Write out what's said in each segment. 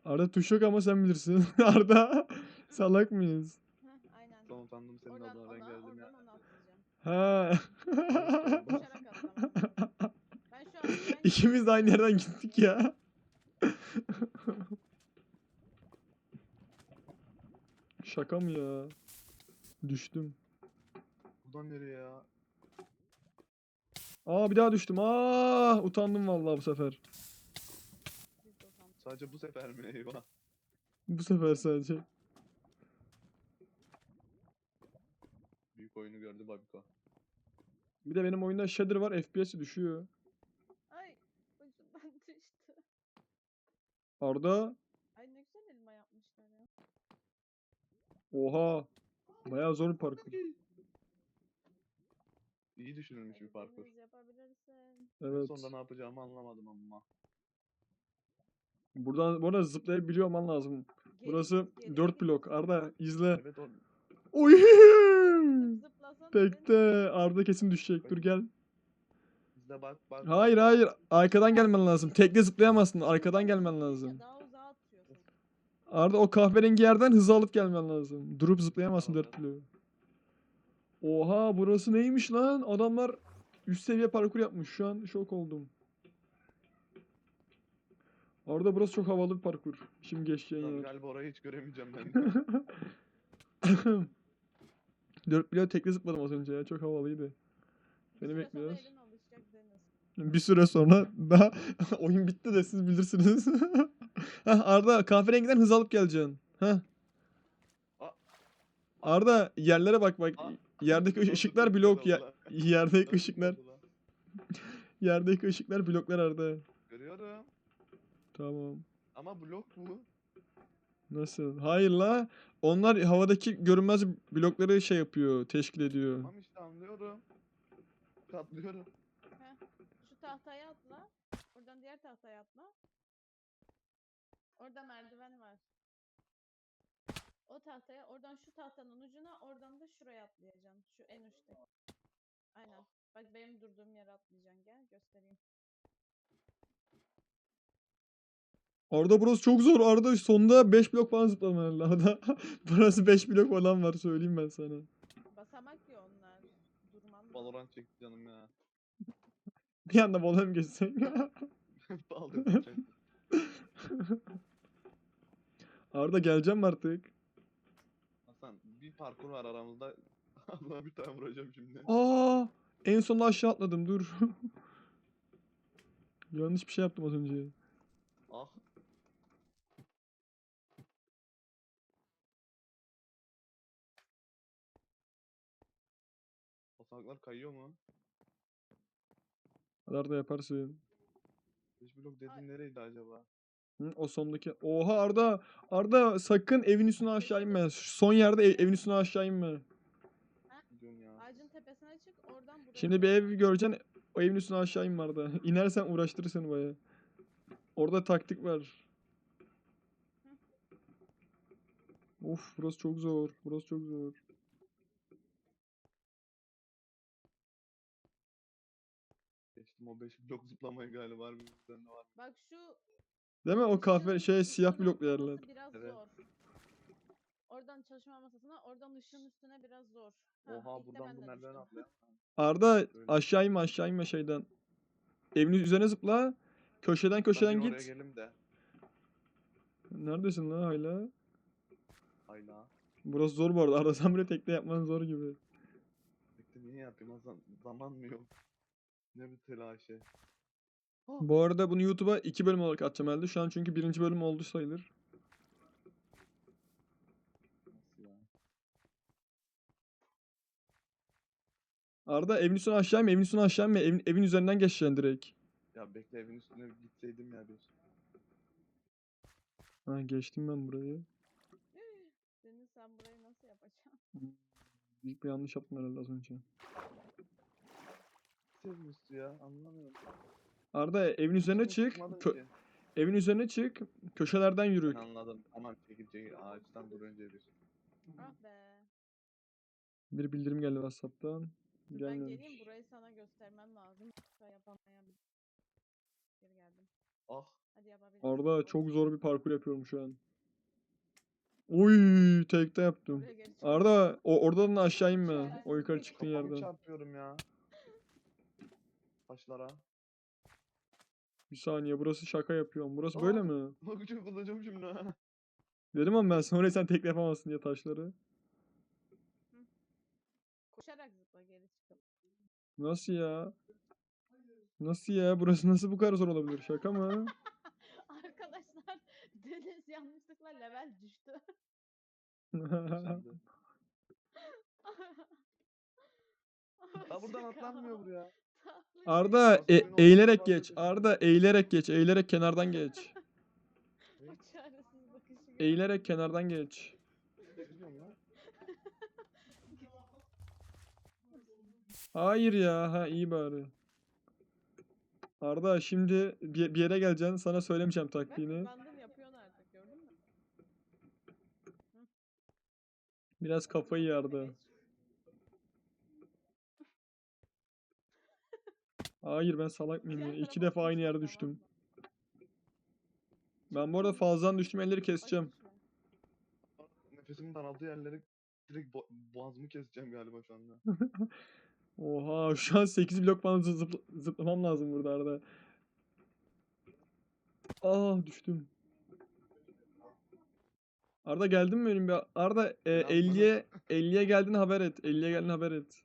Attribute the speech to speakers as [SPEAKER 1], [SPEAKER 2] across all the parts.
[SPEAKER 1] Arda tuş yok ama sen bilirsin. Arda salak mıyız?
[SPEAKER 2] Heh, aynen.
[SPEAKER 3] Son utandım senin
[SPEAKER 2] Oradan
[SPEAKER 3] adına ben
[SPEAKER 2] ona,
[SPEAKER 3] geldim ya.
[SPEAKER 2] oradan ona atlayacağım.
[SPEAKER 1] Ha.
[SPEAKER 3] Al işte oldu.
[SPEAKER 2] Koşarak atlama. Ben şu an aşağı indim.
[SPEAKER 1] İkimiz de aynı yerden gittik ya. Şaka mı ya? Düştüm.
[SPEAKER 3] Buradan nereye ya?
[SPEAKER 1] Aa bir daha düştüm. Aa utandım vallahi bu sefer.
[SPEAKER 2] Biz de utandık.
[SPEAKER 3] Sadece bu sefer mi? Eyvah.
[SPEAKER 1] Bu sefer sadece.
[SPEAKER 3] Büyük oyunu gördü Babiko.
[SPEAKER 1] Bir de benim oyunda shader var, FPS'i düşüyor.
[SPEAKER 2] Ay başımdan düştü.
[SPEAKER 1] Arda
[SPEAKER 2] Ay ne güzel elma yapmışlar ya.
[SPEAKER 1] oha. Bayağı zor bir parkur.
[SPEAKER 3] İyi düşünülmüş bir parkur.
[SPEAKER 2] Deniz yapabilirsin.
[SPEAKER 3] En
[SPEAKER 1] Evet.
[SPEAKER 3] sonunda ne yapacağımı anlamadım ama.
[SPEAKER 1] Buradan bu arada zıplayabiliyor olman lazım.
[SPEAKER 2] Geri
[SPEAKER 1] Burası
[SPEAKER 2] git, geri
[SPEAKER 1] 4
[SPEAKER 2] git.
[SPEAKER 1] blok. Arda izle.
[SPEAKER 3] Evet o
[SPEAKER 1] Oy!
[SPEAKER 2] Zıplasana
[SPEAKER 1] Tekte.
[SPEAKER 2] Deniz.
[SPEAKER 1] Arda kesin düşecek. Dur gel.
[SPEAKER 3] izle bak.
[SPEAKER 1] Hayır
[SPEAKER 3] bak.
[SPEAKER 1] hayır. Arkadan gelmen lazım. Tekte zıplayamazsın. Arkadan
[SPEAKER 2] Şuradan
[SPEAKER 1] gelmen
[SPEAKER 2] zıplayınca
[SPEAKER 1] lazım.
[SPEAKER 2] daha uzağa atıyorsun.
[SPEAKER 1] Arda o kahverengi yerden hızı alıp gelmen lazım. Durup zıplayamazsın
[SPEAKER 3] Tamam,
[SPEAKER 1] 4 blok. Oha burası neymiş lan? Adamlar üst seviye parkur yapmış. Şu an şok oldum. Arda burası çok havalı bir parkur. Şimdi geçeceğin
[SPEAKER 3] Tabii
[SPEAKER 1] yer.
[SPEAKER 3] galiba orayı hiç göremeyeceğim ben de.
[SPEAKER 1] 4 blok tekte zıpladım az önce ya. Çok havalıydı.
[SPEAKER 2] Bir
[SPEAKER 1] Seni
[SPEAKER 2] süre sonra
[SPEAKER 1] bekliyoruz.
[SPEAKER 2] elin alışacak Deniz.
[SPEAKER 1] Bir süre sonra daha oyun bitti de siz bilirsiniz. Heh, Arda kahverengiden hız alıp geleceksin. Heh.
[SPEAKER 3] Aa,
[SPEAKER 1] Arda yerlere bak bak.
[SPEAKER 3] aa.
[SPEAKER 1] Yerdeki
[SPEAKER 3] Nasıl
[SPEAKER 1] ışıklar
[SPEAKER 3] çok
[SPEAKER 1] blok
[SPEAKER 3] güzel
[SPEAKER 1] ya.
[SPEAKER 3] oldu lan.
[SPEAKER 1] Yerdeki
[SPEAKER 3] Nasıl
[SPEAKER 1] ışıklar.
[SPEAKER 3] oldu lan?
[SPEAKER 1] Yerdeki ışıklar bloklar Arda.
[SPEAKER 3] Görüyorum.
[SPEAKER 1] Tamam.
[SPEAKER 3] Ama blok bu.
[SPEAKER 1] Nasıl? Hayır la. Onlar havadaki görünmez blokları şey yapıyor, teşkil ediyor.
[SPEAKER 3] Tamam işte anlıyorum. Katlıyorum.
[SPEAKER 2] Heh. Şu tahtaya atla. Oradan diğer tahtaya atla. Orada merdiven var. O tahtaya, oradan şu tahtanın ucuna, oradan da şuraya atlayacaksın. Şu en üstte. Aynen. Bak benim durduğum yere atlayacaksın. Gel göstereyim.
[SPEAKER 1] Arda burası çok zor. Arda sonunda 5 blok falan zıplaman lazım. Arda burası 5 blok falan var söyleyeyim ben sana.
[SPEAKER 2] Basamak ya onlar. Durman lazım.
[SPEAKER 3] Valorant çekti canım ya.
[SPEAKER 1] Bir anda bola mı geçsek?
[SPEAKER 3] Bağlıyordum çekti.
[SPEAKER 1] Arda geleceğim mi artık?
[SPEAKER 3] Hasan bir parkur var aramızda. Allah'a bir tane vuracağım şimdi.
[SPEAKER 1] Aa, en sonunda aşağı atladım dur. Yanlış bir şey yaptım az önce.
[SPEAKER 3] Ah. Basamaklar kayıyor mu?
[SPEAKER 1] Arda yaparsın.
[SPEAKER 3] 5 blok dediğin nereydi acaba?
[SPEAKER 1] Hı, o sondaki. Oha Arda. Arda sakın evin üstüne aşağı inme. Şu son yerde evin üstüne aşağı inme.
[SPEAKER 3] Ne diyorsun ya?
[SPEAKER 2] Ağacın tepesine çık, oradan buraya
[SPEAKER 1] Şimdi bir ev
[SPEAKER 2] atla.
[SPEAKER 1] göreceksin. O evin üstüne aşağı inme Arda. İnersen uğraştırır seni baya. Orada taktik var. Of burası çok zor. Burası çok zor.
[SPEAKER 3] Geçtim o 5 blok zıplamayı galiba harbiden de var.
[SPEAKER 2] Bak şu
[SPEAKER 1] Değil mi? O kahve
[SPEAKER 2] ışığın
[SPEAKER 1] şey siyah
[SPEAKER 2] üstüne
[SPEAKER 1] bloklu
[SPEAKER 2] atlaması
[SPEAKER 1] yerler.
[SPEAKER 2] biraz
[SPEAKER 3] Evet.
[SPEAKER 2] zor. Oradan çalışma masasına, oradan ışığın üstüne biraz zor.
[SPEAKER 3] Oha
[SPEAKER 2] ilk de
[SPEAKER 3] buradan
[SPEAKER 2] ben
[SPEAKER 3] bu
[SPEAKER 2] de
[SPEAKER 3] merdiven
[SPEAKER 2] düştüm.
[SPEAKER 3] atlayan.
[SPEAKER 1] Arda
[SPEAKER 3] Böyle.
[SPEAKER 1] aşağı inme şeyden. Evin üzerine zıpla. Köşeden
[SPEAKER 3] Ben bir
[SPEAKER 1] köşeden
[SPEAKER 3] oraya
[SPEAKER 1] git.
[SPEAKER 3] gelim de.
[SPEAKER 1] Neredesin lan hala?
[SPEAKER 3] Hayla.
[SPEAKER 1] Burası zor bu arada. Arda sen buraya tekne yapman zor gibi.
[SPEAKER 3] Bekle niye yapayım Hasan? Zaman mı yok? Ne bir telaşı. Ah.
[SPEAKER 1] Bu arada bunu YouTube'a 2 bölüm olarak atacağım herhalde. Şu an çünkü birinci bölüm oldu sayılır.
[SPEAKER 3] Nasıl ya?
[SPEAKER 1] Arda evin üstüne aşağı inme, evin üstüne aşağı inme. Evin üzerinden geçeceksin direkt.
[SPEAKER 3] Ya bekle evin üstüne gitseydim ya bir.
[SPEAKER 1] Ha geçtim ben burayı.
[SPEAKER 2] Deniz sen burayı nasıl yapacaksın?
[SPEAKER 1] Büyük bir yanlış yaptım herhalde az önce.
[SPEAKER 3] Evin üstü ya anlamıyorum.
[SPEAKER 1] Arda evin üzerine
[SPEAKER 3] Üstüne
[SPEAKER 1] çık.
[SPEAKER 3] çıkmadım ki.
[SPEAKER 1] Evin üzerine çık. Köşelerden yürü.
[SPEAKER 3] Ben anladım. Tamam çekil ağaçtan dur önce bir.
[SPEAKER 2] Ah be.
[SPEAKER 1] Bir bildirim geldi WhatsApp'tan.
[SPEAKER 2] Dur ben
[SPEAKER 1] Gelmemiş.
[SPEAKER 2] geleyim, burayı sana göstermem lazım. Yoksa yapamayabilirim. Geri geldim.
[SPEAKER 3] Ah
[SPEAKER 2] Hadi yapabilirsin.
[SPEAKER 1] Arda çok
[SPEAKER 2] Orası
[SPEAKER 1] zor bir
[SPEAKER 2] çok
[SPEAKER 1] parkur yapıyorum şu an. Oy tekte yaptım.
[SPEAKER 2] Oraya geri çık.
[SPEAKER 1] Arda oradan aşağı inme.
[SPEAKER 2] Şöyle.
[SPEAKER 1] O yukarı çıktığın
[SPEAKER 3] Kafamı
[SPEAKER 1] yerden.
[SPEAKER 3] çarpıyorum ya. Taşlara.
[SPEAKER 1] Bir saniye burası şaka yapıyorum. Burası
[SPEAKER 3] Aa!
[SPEAKER 1] böyle mi?
[SPEAKER 3] Bakacağım kullanacağım şimdi ha.
[SPEAKER 1] Dedim ama ben sonra sen tekte yapamazsın diye taşları.
[SPEAKER 2] Koşarak zıpla geri çıkıp.
[SPEAKER 1] Nasıl ya? Nasıl ya? Burası nasıl bu kadar zor olabilir? Şaka mı?
[SPEAKER 2] Arkadaşlar Deniz yanlışlıkla level düştü.
[SPEAKER 3] Şimdi. Ha buradan
[SPEAKER 2] Şaka.
[SPEAKER 3] atlanmıyor buraya.
[SPEAKER 2] Tatlı
[SPEAKER 1] Arda
[SPEAKER 3] Nasıl oyun olduğunu
[SPEAKER 1] eğilerek
[SPEAKER 3] ben de
[SPEAKER 1] geç.
[SPEAKER 3] bilmiyorum.
[SPEAKER 1] Arda eğilerek geç. Eğilerek kenardan geç.
[SPEAKER 2] O çaresiz bakışı gör.
[SPEAKER 1] Eğilerek kenardan geç.
[SPEAKER 3] Ne diyorum ya?
[SPEAKER 1] Hayır ya. Ha iyi bari. Arda şimdi bir yere geleceksin. Sana söylemeyeceğim
[SPEAKER 2] Bak
[SPEAKER 1] taktiğini.
[SPEAKER 2] hızlandın yapıyorsun artık gördün mü?
[SPEAKER 1] Biraz kafayı
[SPEAKER 2] Geç.
[SPEAKER 1] yardı. Hayır ben salak mıyım ya?
[SPEAKER 2] Diğer
[SPEAKER 1] İki
[SPEAKER 2] tarafa
[SPEAKER 1] defa aynı
[SPEAKER 2] atmışlar,
[SPEAKER 1] yerde
[SPEAKER 2] tamam
[SPEAKER 1] düştüm.
[SPEAKER 2] mı?
[SPEAKER 1] Ben
[SPEAKER 2] Çok
[SPEAKER 1] bu arada
[SPEAKER 2] hızlı
[SPEAKER 1] fazladan
[SPEAKER 2] düştün.
[SPEAKER 1] düştüm elleri
[SPEAKER 2] Ay,
[SPEAKER 1] keseceğim.
[SPEAKER 2] düşme.
[SPEAKER 3] Nefesimin daraldığı yerlere direkt boğazımı keseceğim galiba şu anda.
[SPEAKER 1] Oha şu an 8 blok falan zıplamam lazım burada Arda. Ah düştüm. Arda geldin mi benim bir Arda
[SPEAKER 3] Beni atmanı-
[SPEAKER 1] 50'ye geldiğini haber et. 50'ye geldiğini haber et.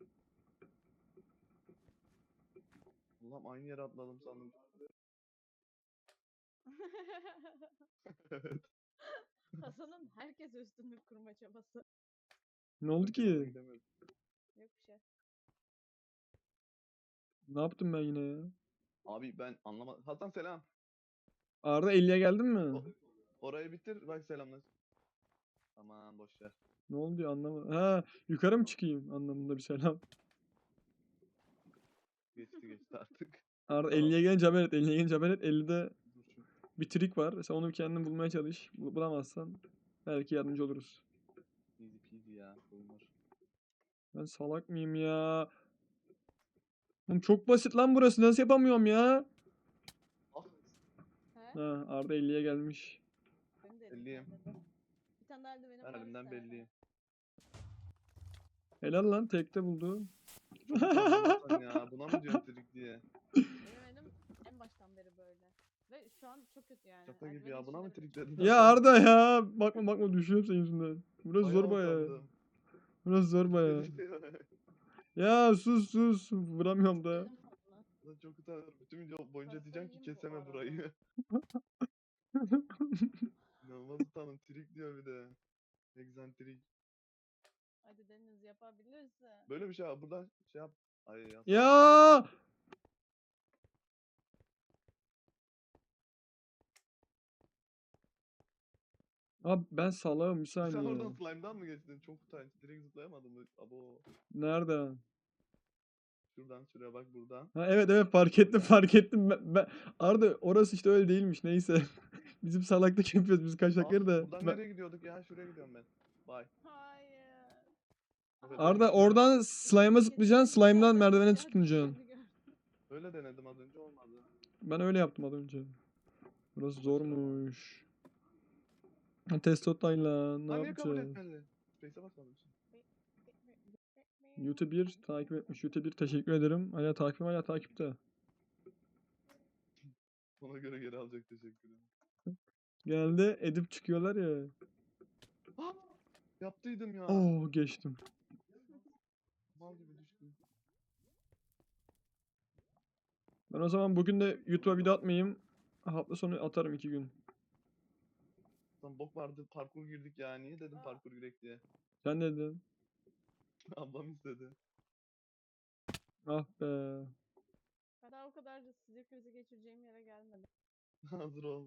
[SPEAKER 3] Ulan aynı yere atladım sandım. Evet.
[SPEAKER 2] Hasan'ın herkes üstünlük kurma çabası.
[SPEAKER 1] Ne oldu
[SPEAKER 3] Yanına
[SPEAKER 1] ki?
[SPEAKER 3] gidemedim.
[SPEAKER 2] Yok bir şey.
[SPEAKER 1] Ne yaptım ben yine ya?
[SPEAKER 3] Abi ben anlamadım. Hasan selam.
[SPEAKER 1] Arda 50'ye geldin mi?
[SPEAKER 3] Orayı bitir bak selamlar. Aman boş ver.
[SPEAKER 1] Ne oldu ya anlamadım. Ha yukarı mı çıkayım anlamında bir selam.
[SPEAKER 3] Geçti artık.
[SPEAKER 1] Arda
[SPEAKER 3] Tamam.
[SPEAKER 1] 50'ye gelince haber et. 50'ye gelince haber et. 50'de
[SPEAKER 3] Dur şu.
[SPEAKER 1] bir trik var. Sen onu kendin bulmaya çalış. Bulamazsan belki yardımcı oluruz.
[SPEAKER 3] Easy peasy ya. Oyunlar.
[SPEAKER 1] Ben salak mıyım ya? Oğlum çok basit lan burası. Nasıl yapamıyorum ya?
[SPEAKER 3] Ah.
[SPEAKER 2] He?
[SPEAKER 1] Ha Arda 50'ye gelmiş.
[SPEAKER 2] Benim de
[SPEAKER 3] Elliyim.
[SPEAKER 2] Bir tane daha eldivenim
[SPEAKER 3] Ben
[SPEAKER 2] var.
[SPEAKER 3] elimden
[SPEAKER 2] istersen.
[SPEAKER 3] belliyim.
[SPEAKER 1] Helal lan tekte buldu.
[SPEAKER 3] Çok utandım Hasan ya. Buna mı diyorsun trik diye?
[SPEAKER 2] Benim elim en baştan beri böyle. Ve şu an çok kötü yani.
[SPEAKER 3] Şaka gibi
[SPEAKER 2] Eldivenin
[SPEAKER 3] ya. Buna mı
[SPEAKER 2] içinde bile-
[SPEAKER 3] trik dedin?
[SPEAKER 1] Ya
[SPEAKER 3] Hasan?
[SPEAKER 1] Arda ya. Bakma düşüyorum senin yüzünden. Burası
[SPEAKER 3] Bayağı
[SPEAKER 1] zor baya.
[SPEAKER 3] utandım.
[SPEAKER 1] Burası zor baya. Ya sus. Vuramıyorum da.
[SPEAKER 2] Elim tatlı.
[SPEAKER 3] Lan çok utanıyorum. Bütün video boyunca
[SPEAKER 2] Kafayı
[SPEAKER 3] diyeceğim ki
[SPEAKER 2] yiyeyim bu
[SPEAKER 3] keseme
[SPEAKER 2] arada.
[SPEAKER 3] burayı. İnanılmaz utandım. Trik diyor bir de. Egzantrik.
[SPEAKER 2] Hadi Deniz yapabilirsin.
[SPEAKER 3] Böyle bir şey abi. Buradan şey yap. Ay ya.
[SPEAKER 1] Ya. Abi ben salağım bir
[SPEAKER 3] Sen oradan
[SPEAKER 1] saniye.
[SPEAKER 3] slime'dan mı geçtin? Çok utanç. Direkt zıplayamadım. Abo.
[SPEAKER 1] Nereden?
[SPEAKER 3] Şuradan şuraya bak buradan.
[SPEAKER 1] Ha evet fark ettim. Arda orası işte öyle değilmiş neyse. Bizim salaklık yapıyoruz biz kaçakları da.
[SPEAKER 3] Buradan nereye gidiyorduk ya? Şuraya gidiyorum ben. Bye.
[SPEAKER 2] Hayır.
[SPEAKER 3] Evet,
[SPEAKER 1] Arda
[SPEAKER 3] ben-
[SPEAKER 1] oradan slime'a zıplayacaksın. Slime'dan merdivene
[SPEAKER 2] Aşağı
[SPEAKER 1] tutunacaksın.
[SPEAKER 2] düştüğünü gör.
[SPEAKER 3] Öyle denedim az önce olmadı.
[SPEAKER 1] Ben öyle yaptım az önce. Burası zormuş. Testotayla ne
[SPEAKER 3] Ha niye kabul
[SPEAKER 1] yapacağız?
[SPEAKER 3] etmedi? Space'e basmadım şimdi.
[SPEAKER 1] YouTube 1 takip etmiş. YouTube 1 teşekkür ederim. Hala takipte.
[SPEAKER 3] Ona göre geri alacak teşekkür ederim.
[SPEAKER 1] Geldi edip çıkıyorlar ya.
[SPEAKER 3] Ah! Yaptıydım ya.
[SPEAKER 1] Oh geçtim.
[SPEAKER 3] Mal gibi düştüm.
[SPEAKER 1] Ben o zaman bugün de YouTube'a video atmayayım. Hafta sonu atarım 2 gün.
[SPEAKER 3] Lan bok vardı parkur girdik ya. Niye dedim parkur girek diye.
[SPEAKER 1] Sen ne dedin?
[SPEAKER 3] Ablam istedi.
[SPEAKER 1] Ah be.
[SPEAKER 2] Ben daha o kadar da sinir krizi geçireceğim yere gelmedim.
[SPEAKER 3] Hazır ol.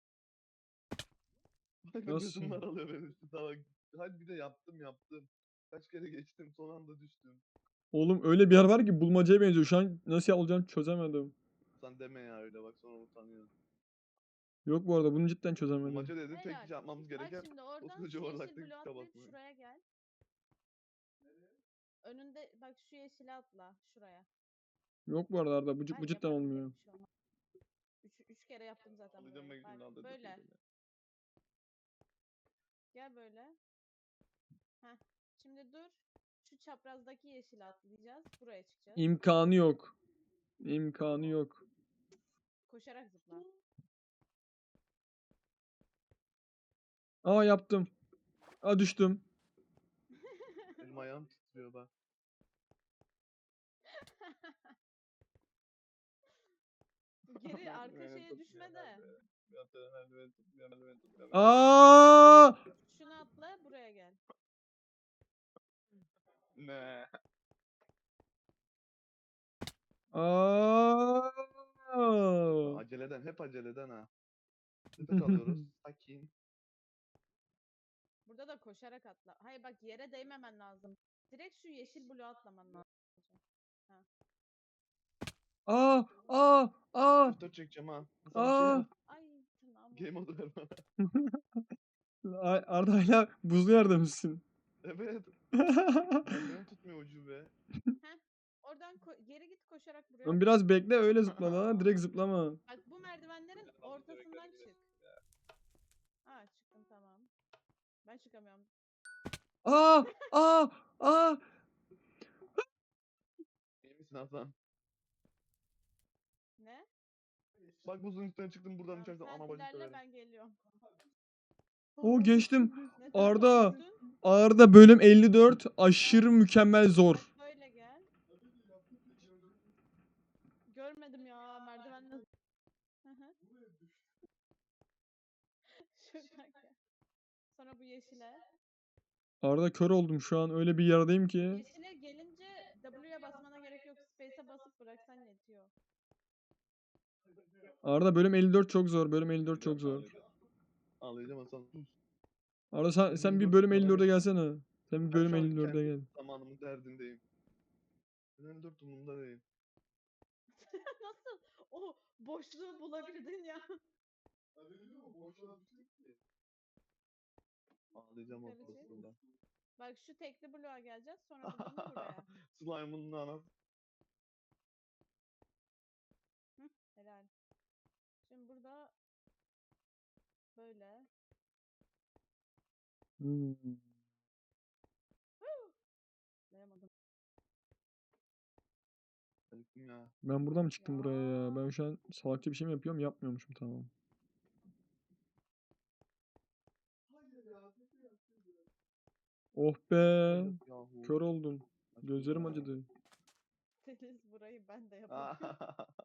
[SPEAKER 3] Bak
[SPEAKER 1] Nasıl?
[SPEAKER 3] nefesim daralıyor benim. Salak. Hadi bir de yaptım. Kaç kere geçtim son anda düştüm.
[SPEAKER 1] Oğlum öyle bir yer var ki bulmacaya benziyor. Şu an nasıl olacağını çözemedim.
[SPEAKER 3] Sen deme ya öyle bak sonra utanıyorsun.
[SPEAKER 1] Yok bu arada bunu cidden çözemedim.
[SPEAKER 3] Maça dedin tek
[SPEAKER 2] Helal.
[SPEAKER 3] kişi yapmamız
[SPEAKER 2] Bak
[SPEAKER 3] gereken
[SPEAKER 2] şimdi oradan
[SPEAKER 3] koskoca
[SPEAKER 2] şu yeşil
[SPEAKER 3] yuvarlaktaki
[SPEAKER 2] bloğa
[SPEAKER 3] tabak
[SPEAKER 2] atlayıp
[SPEAKER 3] mı?
[SPEAKER 2] şuraya gel. Önünde bak şu yeşile atla şuraya.
[SPEAKER 1] Yok bu arada Arda bu
[SPEAKER 2] Hayır,
[SPEAKER 1] cidden
[SPEAKER 2] yapabilecek
[SPEAKER 1] olmuyor.
[SPEAKER 2] bir şey olmaz. Üç kere yaptım zaten
[SPEAKER 3] Alacağım
[SPEAKER 2] burayı.
[SPEAKER 3] ben şimdi
[SPEAKER 2] Bak
[SPEAKER 3] aldım.
[SPEAKER 2] böyle. Gel böyle. Heh. Şimdi dur. Şu çaprazdaki yeşile atlayacağız. Buraya çıkacağız.
[SPEAKER 1] İmkanı yok. İmkanı yok.
[SPEAKER 2] Koşarak zıpla.
[SPEAKER 1] Aa yaptım. Aa düştüm.
[SPEAKER 3] Elim ayağım titriyor bak.
[SPEAKER 2] Geri arka
[SPEAKER 3] Merdiveni
[SPEAKER 2] şeye
[SPEAKER 3] tutmuyor,
[SPEAKER 2] düşme de.
[SPEAKER 3] merdiveni tutmuyor, merdiveni tutmuyor.
[SPEAKER 1] Aa!
[SPEAKER 2] Şunu atla buraya gel.
[SPEAKER 3] Ne?
[SPEAKER 1] Aa!
[SPEAKER 3] Aceleden, hep aceleden ha. Nefes alıyoruz. Sakin.
[SPEAKER 2] Burada da koşarak atla. Hayır bak yere değmemen lazım. Direkt şu yeşil bloğa atlaman lazım. Ha.
[SPEAKER 1] Aa! Aa! Aa!
[SPEAKER 3] F4 çekeceğim ha. Hasan bir şey
[SPEAKER 1] Aa!
[SPEAKER 3] yap.
[SPEAKER 2] Ay tırnağım
[SPEAKER 3] Game
[SPEAKER 2] oldu.
[SPEAKER 3] modu ver bana.
[SPEAKER 1] Arda hala buzlu yerde misin?
[SPEAKER 3] Evet. Merdiveni tutmuyor ucube.
[SPEAKER 2] Heh. Oradan geri git koşarak buraya
[SPEAKER 1] Lan
[SPEAKER 2] atla.
[SPEAKER 1] biraz bekle öyle zıpla lan. Direkt zıplama.
[SPEAKER 2] Bak bu merdivenlerin ortasından çık. Ha çıktım tamam. Ben çıkamıyorum.
[SPEAKER 1] Aa! Aa! Aa!
[SPEAKER 3] İyi misin Hasan?
[SPEAKER 2] Ne?
[SPEAKER 3] Bak buzun üstüne çıktım buradan
[SPEAKER 2] Tamam,
[SPEAKER 3] düşersem
[SPEAKER 2] sen
[SPEAKER 3] ana bacı
[SPEAKER 2] ilerle
[SPEAKER 3] söverim.
[SPEAKER 2] ben geliyorum.
[SPEAKER 1] O geçtim.
[SPEAKER 2] Ne tarafa
[SPEAKER 1] Arda.
[SPEAKER 2] düştün?
[SPEAKER 1] Arda bölüm 54 aşırı mükemmel zor.
[SPEAKER 2] Bak böyle gel. Görmedim ya merdivenle. Hı hı. Şuradan gel. Sonra bu yeşile.
[SPEAKER 1] Arda kör oldum şu an öyle bir yerdeyim ki.
[SPEAKER 2] Yeşile gelince W'ye basmana gerek yok. Space'e basıp bıraksan yetiyor.
[SPEAKER 1] Arda bölüm 54 çok zor. Bölüm 54 çok zor.
[SPEAKER 3] Ağlayacağım Hasan. Sus.
[SPEAKER 1] Arda sen bir
[SPEAKER 3] 54
[SPEAKER 1] bölüm
[SPEAKER 3] numara
[SPEAKER 1] 54'e gelsene. Sen bir
[SPEAKER 3] Ben
[SPEAKER 1] bölüm
[SPEAKER 3] şu an
[SPEAKER 1] 54'e
[SPEAKER 3] kendi
[SPEAKER 1] gel.
[SPEAKER 3] zamanımın derdindeyim. Ben 54 umurumda değil.
[SPEAKER 2] Nasıl o boşluğu bulabildin ya?
[SPEAKER 3] Ağlayacağım o
[SPEAKER 2] Yukarı çık.
[SPEAKER 3] pozisyonda.
[SPEAKER 2] Bak şu tekli bloğa geleceğiz. Sonra buradan da buraya.
[SPEAKER 3] Slime'ın anası.
[SPEAKER 2] Hı, helal. Şimdi burada böyle.
[SPEAKER 1] Hmm.
[SPEAKER 2] Layamadım.
[SPEAKER 3] Acıktım ya.
[SPEAKER 1] Ben buradan mı çıktım buraya ya?
[SPEAKER 2] Ya.
[SPEAKER 1] Ben şu an salakça bir şey mi yapıyorum? Yapmıyormuşum tamam. Oh be.
[SPEAKER 3] Yahu.
[SPEAKER 1] Kör oldum. Gözlerim
[SPEAKER 3] Ya.
[SPEAKER 1] acıdı.
[SPEAKER 2] Deniz burayı ben de yapamıyorum.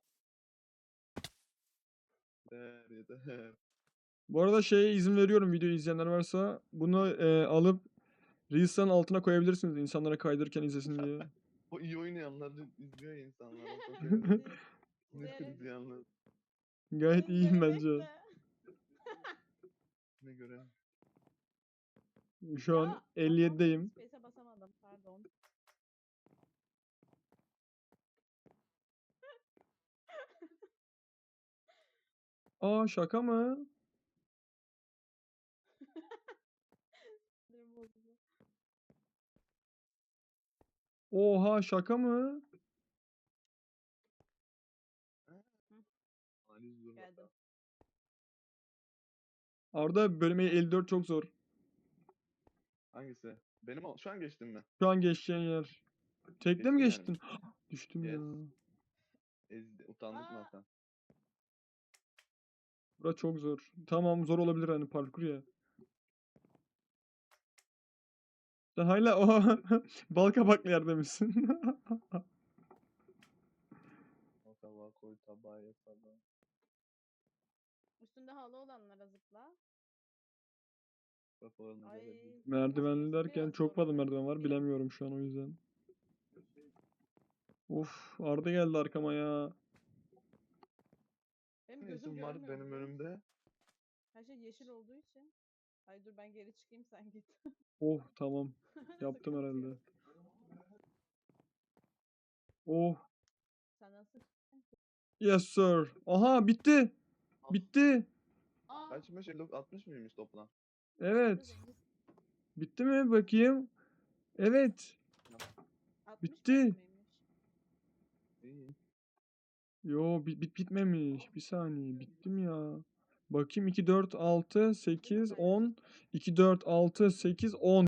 [SPEAKER 3] Yeter yeter.
[SPEAKER 1] Bu arada şeye izin veriyorum videoyu izleyenler varsa. Bunu alıp Reels'ların altına koyabilirsiniz insanlara kaydırırken izlesin diye.
[SPEAKER 3] O iyi oynayanlar izliyor ya insanlar. O çok
[SPEAKER 2] İzleyerek.
[SPEAKER 3] Netflix izleyenler.
[SPEAKER 1] Gayet
[SPEAKER 2] Deniz
[SPEAKER 1] iyiyim
[SPEAKER 2] beni
[SPEAKER 1] bence.
[SPEAKER 2] bekle.
[SPEAKER 3] Ne göre?
[SPEAKER 1] Şu an
[SPEAKER 2] Ya,
[SPEAKER 1] 57'deyim.
[SPEAKER 2] Space'e basamadım pardon.
[SPEAKER 1] Aa şaka mı?
[SPEAKER 2] Sinirim bozuldu.
[SPEAKER 1] Oha şaka mı?
[SPEAKER 3] Analiz dur.
[SPEAKER 2] Geldim.
[SPEAKER 1] Arda bölüm 54 çok zor.
[SPEAKER 3] Hangisi? Benim şu an geçtim mi?
[SPEAKER 1] Şu an geçeceğin yer. Tekle mi
[SPEAKER 3] Geçtim
[SPEAKER 1] geçtin? Düştüm
[SPEAKER 3] Yes.
[SPEAKER 1] ya.
[SPEAKER 3] Utandık mı
[SPEAKER 2] Aa.
[SPEAKER 3] Hasan?
[SPEAKER 1] Bura çok zor. Tamam zor olabilir hani parkur ya. Sen hala o bal kabaklı yerde misin?
[SPEAKER 3] O tabağa koy tabağa ye tabağa.
[SPEAKER 2] Üstünde halı olanlara zıpla.
[SPEAKER 3] Bak oranı
[SPEAKER 2] Ay.
[SPEAKER 3] görebildim.
[SPEAKER 1] Merdivenli
[SPEAKER 2] Burası
[SPEAKER 1] derken
[SPEAKER 2] biraz
[SPEAKER 1] çok
[SPEAKER 2] zor
[SPEAKER 1] fazla
[SPEAKER 2] burası.
[SPEAKER 1] merdiven var
[SPEAKER 2] Biraz.
[SPEAKER 1] bilemiyorum şu an o yüzden. Of Arda geldi arkama ya.
[SPEAKER 2] Benim
[SPEAKER 3] Ne
[SPEAKER 2] gözüm
[SPEAKER 3] işin var
[SPEAKER 2] görmüyor
[SPEAKER 3] benim
[SPEAKER 2] biliyor musun?
[SPEAKER 3] önümde?
[SPEAKER 2] Her şey yeşil olduğu için. Ay dur ben geri çıkayım sen git.
[SPEAKER 1] Oh tamam. Yaptım
[SPEAKER 2] Sıkıntı
[SPEAKER 1] herhalde.
[SPEAKER 2] yok.
[SPEAKER 1] Oh
[SPEAKER 2] Sen nasıl?
[SPEAKER 1] yes sir. Aha bitti.
[SPEAKER 3] Ah.
[SPEAKER 1] Bitti.
[SPEAKER 2] Aa.
[SPEAKER 3] Kaçmış? 50, 60 mıymış toplam?
[SPEAKER 1] Evet.
[SPEAKER 2] Zengiz.
[SPEAKER 1] Bitti mi bakayım? Evet.
[SPEAKER 2] 60
[SPEAKER 1] Bitti.
[SPEAKER 2] bölüm müymüş?
[SPEAKER 3] İyi.
[SPEAKER 1] Yo bitmemiş. Bir saniye. Bittim ya. Bakayım 2, 4, 6, 8, 10. 2, 4, 6, 8, 10.